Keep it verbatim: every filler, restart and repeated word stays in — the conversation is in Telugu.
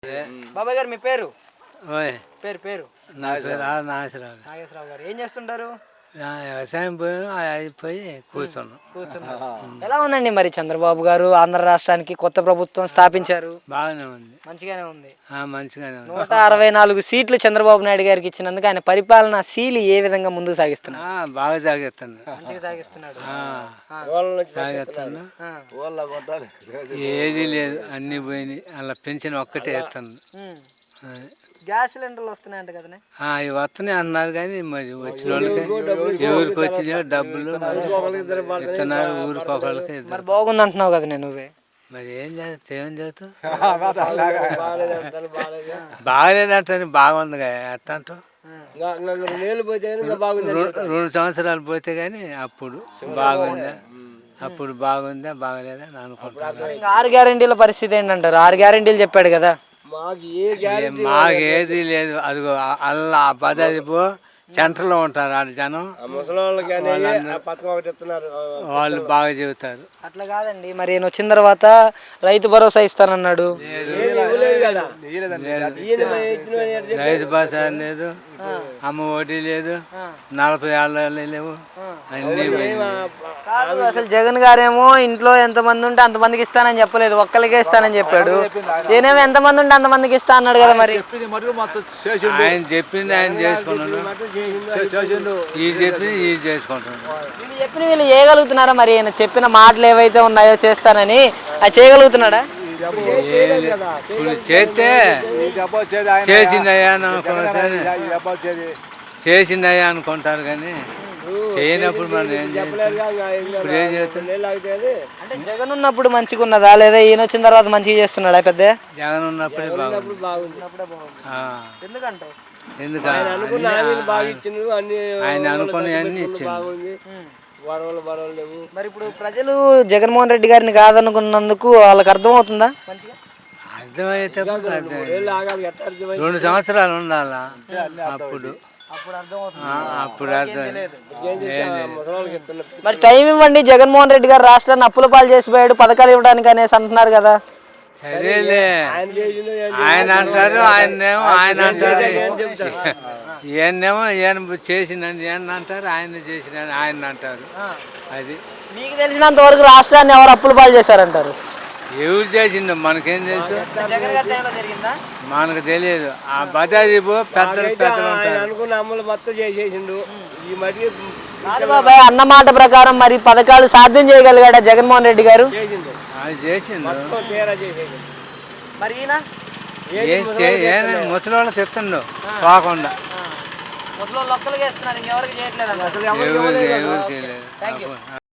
బాబాయ్ గారు మీ పేరు? ఓయ్ పేరు పేరు నా పేరు ఆ నాగేశ్వరరావు. నాగేశ్వరరావు గారు ఏం చేస్తుంటారు? ఆ వ్యవసాయం పోయి అయిపోయి కూర్చున్నాం. కూర్చున్నారు. ఎలా ఉందండి మరి చంద్రబాబు గారు ఆంధ్ర రాష్ట్రానికి కొత్త ప్రభుత్వం స్థాపించారు? బాగానే ఉంది, మంచిగానే ఉంది. ఆ మంచిగానే ఉంది. నూట అరవై నాలుగు సీట్లు చంద్రబాబు నాయుడు గారికి ఇచ్చినందుకు ఆయన పరిపాలన శీలి ఏ విధంగా ముందుకు సాగిస్తున్నారు? ఆ, బాగా సాగిస్తాను, మంచిగా సాగిస్తున్నాడు. సాగిస్తాను. ఏది లేదు, అన్ని పోయినాయి. అలా పెన్షన్ ఒక్కటే ఇస్తాను. గ్యాస్ సిలిండర్లు వస్తున్నాయంట కదా? అవి వస్తున్నాయి అన్నారు కానీ మరి వచ్చిన వాళ్ళకి ఎవరికి వచ్చినాయో డబ్బులు ఇస్తున్నారు, ఊరికొకళ్ళకి. మరి బాగుంది అంటున్నావు కదా నేను, నువ్వే మరి ఏం చేస్తా ఏం చేస్తావు? బాగలేదంటే బాగుంది ఎట్ట అంటావు? రెండు సంవత్సరాలు పోతే కానీ అప్పుడు బాగుందా అప్పుడు బాగుందా బాగలేదా అని అనుకుంటున్నాను. ఆరు గ్యారెంటీల పరిస్థితి ఏంటంటారు? ఆరు గ్యారెంటీలు చెప్పాడు కదా. మాకేది లేదు. అదిగో అల్లా పదవి పో సెంటర్లో ఉంటారు ఆ జనం, వాళ్ళు బాగా చెబుతారు. అట్లా కాదండి, మరి ఈయన వచ్చిన తర్వాత రైతు భరోసా ఇస్తానన్నాడు. రైతు భరోసా లేదు, అమ్మ ఒడి లేదు, నలభై ఏళ్ళ లేవు, అన్ని కాదు. అసలు జగన్ గారేమో ఇంట్లో ఎంతమంది ఉంటే అంతమందికి ఇస్తానని చెప్పలేదు, ఒక్కరికే ఇస్తానని చెప్పాడు. ఈయనేమో ఎంతమంది ఉంటే అంతమందికి ఇస్తా అన్నాడు కదా. మరి ఆయన చెప్పింది ఆయన చేసుకున్నాడు, ఈ చెప్పింది ఈ చేసుకుంటున్నాడు. వీళ్ళు చెప్పిన వీళ్ళు చేయగలుగుతున్నారా? మరి ఈయన చెప్పిన మాటలు ఏవైతే ఉన్నాయో చేస్తానని అది చేయగలుగుతున్నాడా? ఇప్పుడు చేస్తే చేసిందయ్యా అనుకుంటారు, చేసిందయ్యా అనుకుంటారు కానీ చేయనప్పుడు మనం ఏం చేస్తాం? ఇప్పుడు ఏం చేస్తాం? అంటే జగన్ ఉన్నప్పుడు మంచిగా ఉన్నదా లేదా ఈయన వచ్చిన తర్వాత మంచిగా చేస్తున్నాడా? పెద్ద జగన్ ఉన్నప్పుడే బాగుంది. ఎందుకంటావు? ఎందుకు ఆయన అనుకుని అన్ని ఇచ్చింది. మరి ఇప్పుడు ప్రజలు జగన్మోహన్ రెడ్డి గారిని కాదనుకున్నందుకు వాళ్ళకి అర్థమవుతుందా? అర్థమైతే రెండు సంవత్సరాలు ఉండాలా అప్పుడు అప్పుడు అర్థం. మరి టైం ఇవ్వండి, జగన్మోహన్ రెడ్డి గారు రాష్ట్రాన్ని అప్పుల పాలు చేసిపోయాడు, పథకాలు ఇవ్వడానికి అనేసి అంటున్నారు కదా. సరేలే, ఆయన అంటారు, ఆయన్నేమో ఆయన అంటారు, ఈయనేమో ఈయన చేసినని ఈయన అంటారు, ఆయన చేసిన ఆయన అంటారు. అది మీకు తెలిసినంత వరకు రాష్ట్రాన్ని ఎవరు అప్పుల పాలు చేశారంటారు? ఎవరు చేసిండు మనకేం తెలుసు? మనకు తెలియదు. ఆ బజారీ పెద్దలు పెద్దలు ఉంటారు. బాబాయ్ అన్న మాట ప్రకారం మరి పథకాలు సాధ్యం చేయగలిగాడా జగన్మోహన్ రెడ్డి గారు? అది చేసిండు. మరి ముసలి వాళ్ళకి ఎత్తండు కాకుండా, ముసలి వాళ్ళు ఒక్కరికి ఇస్తున్నారు, ఇంకెవరికి చేయట్లేదు. ఎవరు ఎవరు చేయలేదు.